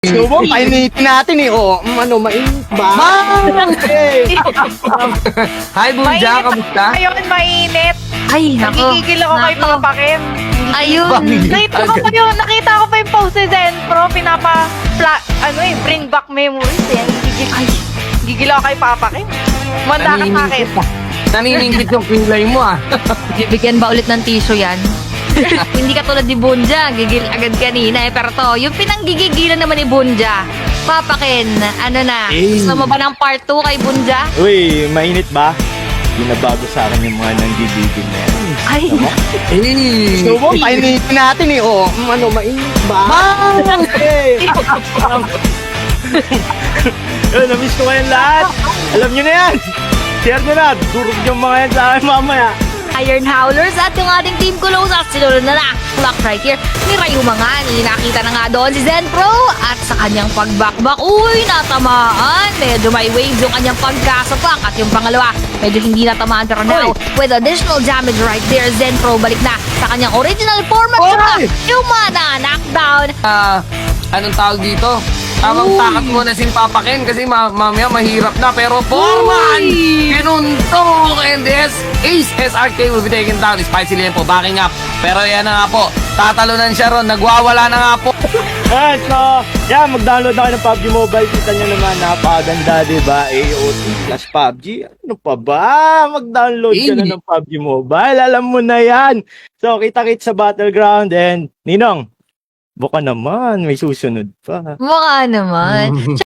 Gusto mo, painitin natin eh. O, ano, mainit ba? Hi, Bunja, Mainit kamusta? Ngayon, mainit. Ay, nako. Nagigigil ako kay Nako. Papa Ken. Ayun. Nakita ko pa yung post ni Zenpro, bring back memories eh. Gigil ako kay Papa Ken. Manda ka sa akin. Naniningit yung kilay mo ah. Bibigyan ba ulit ng tissue yan? Hindi ka tulad ni Bunja, gigil agad kanina eh. Pero to, yung pinanggigigilan naman ni Bunja, Papa Ken, ano na, gusto mo ba ng part 2 kay Bunja? Uy, mainit ba? Binabago sa akin yung mga nanggigigil na yan. Ay, Gusto mo, painitin natin eh. O, ano, mainit ba? Namiss ko kayong lahat. Alam nyo na yan. Share nyo na. Durog yung mga yan sa akin mamaya. Iron Howlers at yung ating team Kulos at sinunod na clock right here ni Rayu Mangan. Nakita na nga doon si Zenpro at sa kanyang pagbakbak, uy, natamaan. Medyo may waves yung kanyang pagkasapak at yung pangalawa, medyo hindi natamaan pero now, with additional damage right there, Zenpro balik na sa kanyang original form at saka yung mana knockdown. Anong tawag dito? Tamang takat mo na si Papa Ken kasi mamaya mahirap na. Pero Foreman! Kinuntok! And this Ace SRK will be taken down. Spicy Lempo backing up. Pero yan na nga po. Tatalunan siya ron. Nagwawala na nga po. So, yeah, mag-download ako ng PUBG Mobile. Kita nyo naman, napakaganda, diba? AOT plus PUBG. Ano pa ba? Mag-download ka na ng PUBG Mobile. Alam mo na yan. So, kita-kit sa Battleground. And, Ninong, buka naman, may susunod pa. Baka naman.